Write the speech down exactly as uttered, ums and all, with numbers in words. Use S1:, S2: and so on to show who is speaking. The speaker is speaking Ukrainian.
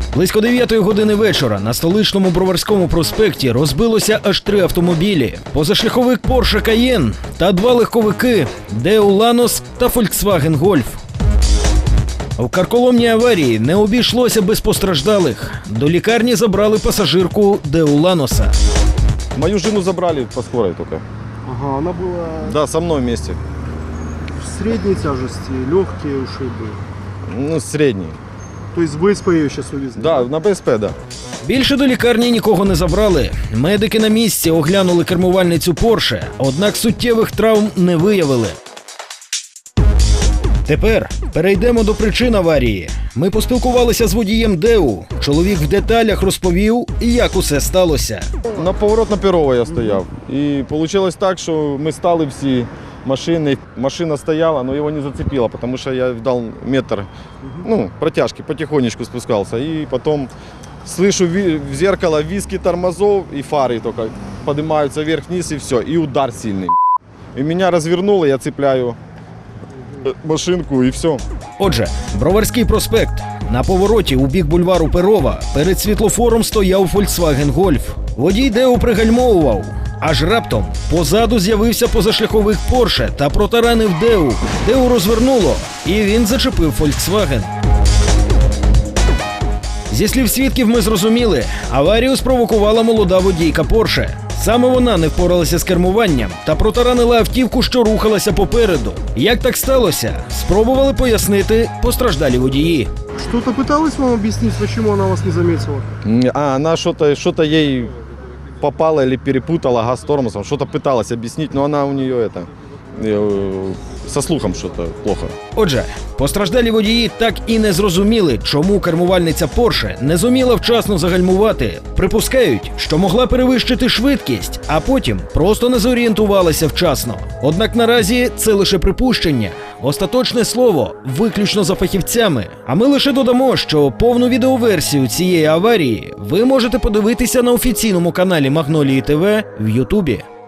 S1: Близько дев'ятої години вечора на столичному Броварському проспекті розбилося аж три автомобілі. Позашляховик Porsche Cayenne та два легковики Daewoo Lanos та Volkswagen Golf. В карколомній аварії не обійшлося без постраждалих. До лікарні забрали пасажирку Daewoo Lanos.
S2: Мою жену забрали по скорой только.
S3: Ага, она была
S2: Да, со мной вместе.
S3: в средней тяжести, легкие ушибы.
S2: Ну, средний.
S3: То есть в БСП ее сейчас увезли?
S2: Да, на ПСП, да.
S1: Більше до лікарні нікого не забрали. Медики на місці оглянули кермувальницю Porsche, однак суттєвих травм не виявили. Тепер перейдемо до причин аварії. Ми поспілкувалися з водієм Daewoo. Чоловік в деталях розповів, як усе сталося.
S2: На поворот на Перова я стояв. І вийшло так, що ми стали всі машини. Машина стояла, но его не зацепило, потому что я дал метр, ну, протяжки, потихонечку спускался. И потом слышу в зеркало виски тормозов и фары только поднимаются вверх-вниз и все. И удар сильный. И меня развернуло, я цепляю машинку и все.
S1: Отже, Броварський проспект. На повороті у бік бульвару Перова перед світлофором стояв Volkswagen Golf. Водій Daewoo пригальмовував. Аж раптом позаду з'явився позашляховик Porsche та протаранив Daewoo. Daewoo розвернуло, і він зачепив Volkswagen. Зі слів свідків ми зрозуміли, аварію спровокувала молода водійка Porsche. Саме вона не впоралася з кермуванням та протаранила автівку, що рухалася попереду. Як так сталося? Спробували пояснити постраждалі водії.
S3: Что-то пыталась вам объяснить, почему она вас не заметила?
S2: А она что-то что-то ей попала или перепутала газ с тормозом, что-то пыталась объяснить, но она у нее это э, со слухом что-то плохо.
S1: Отже, постраждалі водії так і не зрозуміли, чому кермувальниця Porsche не зуміла вчасно загальмувати. Припускають, що могла перевищити швидкість, а потім просто не зорієнтувалася вчасно. Однак наразі це лише припущення. Остаточне слово виключно за фахівцями. А ми лише додамо, що повну відеоверсію цієї аварії ви можете подивитися на офіційному каналі Магнолії ТВ в Ютубі.